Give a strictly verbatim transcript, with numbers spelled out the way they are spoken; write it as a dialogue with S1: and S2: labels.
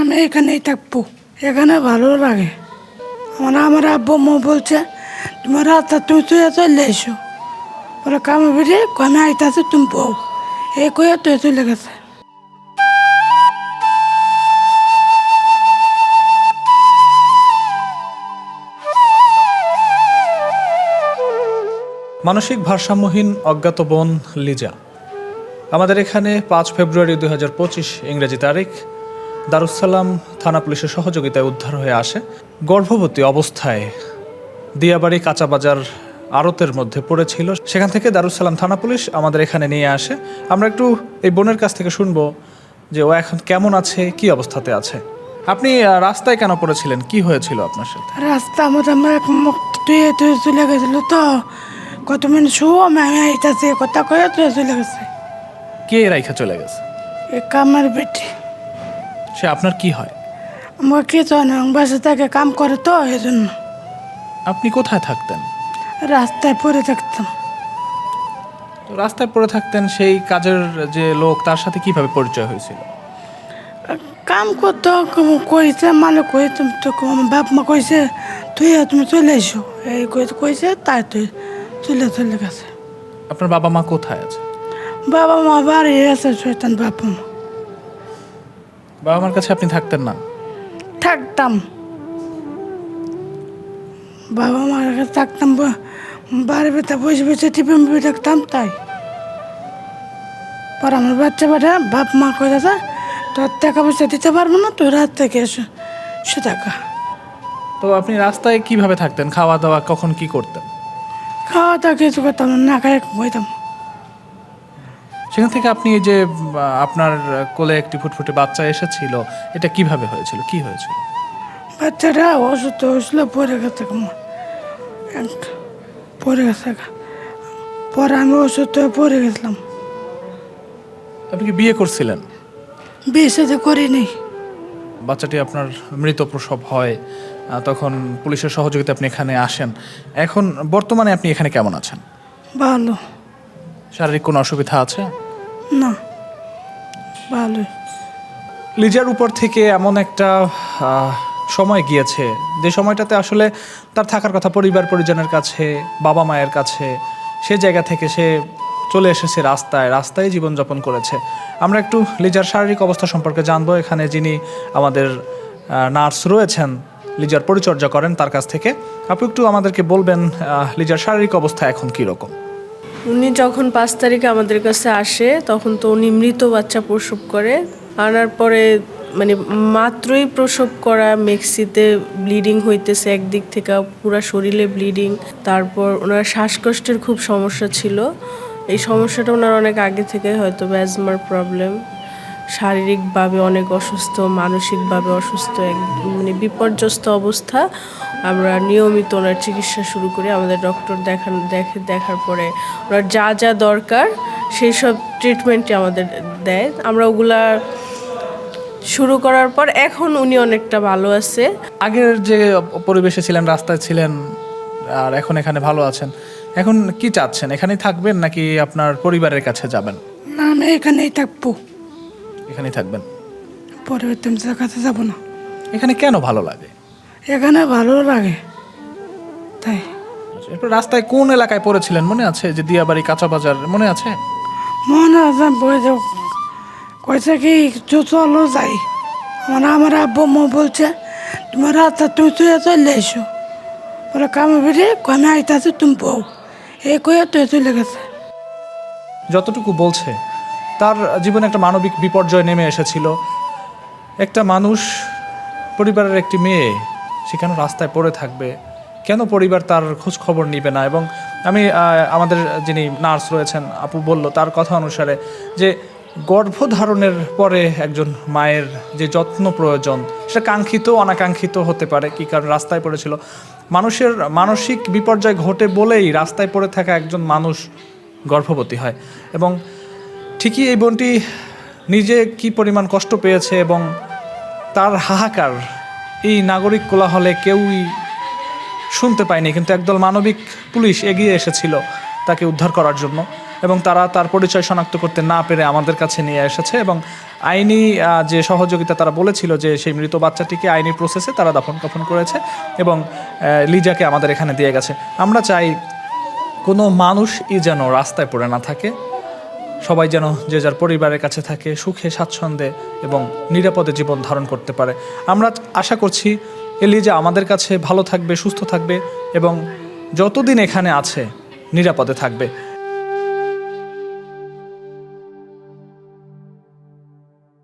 S1: আমি এখানেই থাকবো, এখানে ভালো লাগে। আমার আমার আব্বু মা বলছে তোমার রাস্তা তুমি তুই চলে এসো, বলে কামে বেরিয়ে কমে আইতাছে তুমি বউ, এই কয়ে তুই চলে গেছে।
S2: মানসিক ভারসাম্যহীন অজ্ঞাত বোন লিজা আমাদের এখানে পাঁচ ফেব্রুয়ারি দুই হাজার পঁচিশ ইংরেজি তারিখ দারুসালাম থানা পুলিশের সহযোগিতায় উদ্ধার হয়ে আসে। গর্ভবতী অবস্থায় দিয়াবাড়ি কাঁচাবাজার আড়তের মধ্যে পড়েছিল, সেখান থেকে দারুসালাম থানা পুলিশ আমাদের এখানে নিয়ে আসে। আমরা একটু এই বোনের কাছ থেকে শুনবো যে ও এখন কেমন আছে, কি অবস্থাতে আছে। আপনি রাস্তায় কেন পড়েছিলেন, কি হয়েছিল আপনার সাথে?
S1: রাস্তা আমাদের আমার এক মুখ তুই তুই চলে গেছিল তো, কত মিনিট শো আমি আইতাছে কথা কয়ে তুই চলে গেছে।
S2: কে রাইখা চলে গেছে?
S1: এ কামের বেটি।
S2: সে আপনার কি হয়?
S1: আমার কি জানো, বাসা থেকে কাম করে তো এই জন্য।
S2: আপনি কোথায় থাকতেন?
S1: রাস্তায় পড়ে থাকতাম।
S2: তো রাস্তায় পড়ে থাকতেন, সেই কাজের যে লোক তার সাথে কিভাবে পরিচয় হয়েছিল?
S1: কাম করতো কইছে মালিক কই তুমি তো আমার বাপ মা কইছে তুই তুমি চলে এসো, এই কইছে তাই তুই চলে চলে গেছে।
S2: আপনার বাবা মা কোথায় আছে?
S1: বাবা মা বাড়ি আছে, শয়তান বাবা মা।
S2: বাবা মার কাছে আপনি থাকতেন না?
S1: থাকতাম, বাবা মার কাছে থাকতাম, বাড়ি ভিতরে বসে বসে টিপে মুভি থাকতাম। তাই পর আমার বাচ্চা বেটা বাপ মা কইছে তোর টাকা পয়সা দিতে পারবো না, তুই রাত থেকে এসো সে টাকা।
S2: তো আপনি রাস্তায় কিভাবে থাকতেন, খাওয়া দাওয়া কখন কি করতেন?
S1: খাওয়া দাওয়া কিছু করতাম না, না খাই বইতাম।
S2: সেখান থেকে আপনি এই যে আহ, আপনার কোলে একটি ফুটফুটে বাচ্চা এসেছিল, এটা কিভাবে হয়েছিল, কি হয়েছিল?
S1: বাচ্চাটা অসুস্থ হয়েছিল, পরে গেছে পরে গেছে পরে আমি অসুস্থ হয়ে পরে গেছিলাম।
S2: আপনি কি বিয়ে করছিলেন?
S1: বিয়ে সাথে করিনি।
S2: বাচ্চাটি আপনার মৃত প্রসব হয়, আহ, তখন পুলিশের সহযোগিতা আপনি এখানে আসেন। এখন বর্তমানে আপনি এখানে কেমন আছেন?
S1: ভালো
S2: শারীরিক কোনো অসুবিধা আছে?
S1: না, ভালোই।
S2: লিজার উপর থেকে এমন একটা আহ, সময় গিয়েছে যে সময়টাতে আসলে তার থাকার কথা পরিবার পরিজনের কাছে, বাবা মায়ের কাছে। সে জায়গা থেকে সে চলে এসেছে রাস্তায়, রাস্তায় জীবনযাপন করেছে। আমরা একটু লিজার শারীরিক অবস্থা সম্পর্কে জানবো। এখানে যিনি আমাদের নার্স রয়েছেন, লিজার পরিচর্যা করেন, তার কাছ থেকে আপনি একটু আমাদেরকে বলবেন আহ, লিজার শারীরিক অবস্থা এখন কীরকম।
S3: উনি যখন পাঁচ তারিখে আমাদের কাছে আসে তখন তো উনি মৃত বাচ্চা প্রসব করে। আনার পরে মানে মাত্রই প্রসব করা, মেক্সিতে ব্লিডিং হইতেছে, একদিক থেকে পুরো শরীরে ব্লিডিং। তারপর ওনার শ্বাসকষ্টের খুব সমস্যা ছিল। এই সমস্যাটা ওনার অনেক আগে থেকে, হয়তো অ্যাজমার প্রবলেম। শারীরিকভাবে অনেক অসুস্থ, মানসিকভাবে অসুস্থ, এক মানে বিপর্যস্ত অবস্থা। আমরা নিয়মিত ওনার চিকিৎসা শুরু করি। আমাদের ডক্টর দেখান দেখে দেখার পরে ওনার যা যা দরকার সেই সব ট্রিটমেন্টই আমাদের দেয়। আমরা ওগুলা শুরু করার পর এখন উনি অনেকটা ভালো আছে।
S2: আগের যে পরিবেশে ছিলেন, রাস্তায় ছিলেন, আর এখন এখানে ভালো আছেন, এখন কি চাচ্ছেন? এখানেই থাকবেন নাকি আপনার পরিবারের কাছে যাবেন?
S1: না, আমি এখানেই থাকবো,
S2: এখানেই থাকবেন।
S1: পরবর্তী কাছে যাবো না।
S2: এখানে কেন ভালো লাগে?
S1: এখানে ভালো লাগে তাই।
S2: এরপর রাস্তায় কোন এলাকায় পড়েছিলেন মনে আছে? যে দিয়াবাড়ি কাঁচাবাজার মনে আছে?
S1: মনে আছে, বইতে কইছে কি চলো যাই। আমার আমার আব্বু মা বলছে তোমার রাস্তা তুমি তুই চলে এসো, বলে কামে বেরিয়ে কমে আইতাছে তুমি বউ, এই কয়ে তুই চলে গেছে।
S2: যতটুকু বলছে তার জীবনে একটা মানবিক বিপর্যয় নেমে এসেছিল। একটা মানুষ, পরিবারের একটি মেয়ে, সেখানে রাস্তায় পড়ে থাকবে, কেন পরিবার তার খোঁজ খবর নিবে না? এবং আমি আমাদের যিনি নার্স রয়েছেন আপু বলল তার কথা অনুসারে যে গর্ভধারণের পরে একজন মায়ের যে যত্ন প্রয়োজন সেটা কাঙ্ক্ষিত অনাকাঙ্ক্ষিত হতে পারে। কী কারণ রাস্তায় পড়েছিল, মানুষের মানসিক বিপর্যয় ঘটে বলেই রাস্তায় পড়ে থাকা একজন মানুষ গর্ভবতী হয়। এবং ঠিকই এই বোনটি নিজে কি পরিমাণ কষ্ট পেয়েছে এবং তার হাহাকার এই নাগরিক কোলাহলে কেউই শুনতে পায়নি, কিন্তু একদল মানবিক পুলিশ এগিয়ে এসেছিল তাকে উদ্ধার করার জন্য। এবং তারা তার পরিচয় শনাক্ত করতে না পেরে আমাদের কাছে নিয়ে এসেছে এবং আইনি আহ, যে সহযোগিতা তারা বলেছিল যে সেই মৃত বাচ্চাটিকে আইনি প্রসেসে তারা দাফন কাফন করেছে এবং আহ, লিজাকে আমাদের এখানে দিয়ে গেছে। আমরা চাই কোনো মানুষই যেন রাস্তায় পড়ে না থাকে, সবাই যেন যে যার পরিবারের কাছে থাকে, সুখে স্বাচ্ছন্দ্যে এবং নিরাপদে জীবন ধারণ করতে পারে। আমরা আশা করছি এলিজা আমাদের কাছে ভালো থাকবে, সুস্থ থাকবে এবং যতদিন এখানে আছে নিরাপদে থাকবে।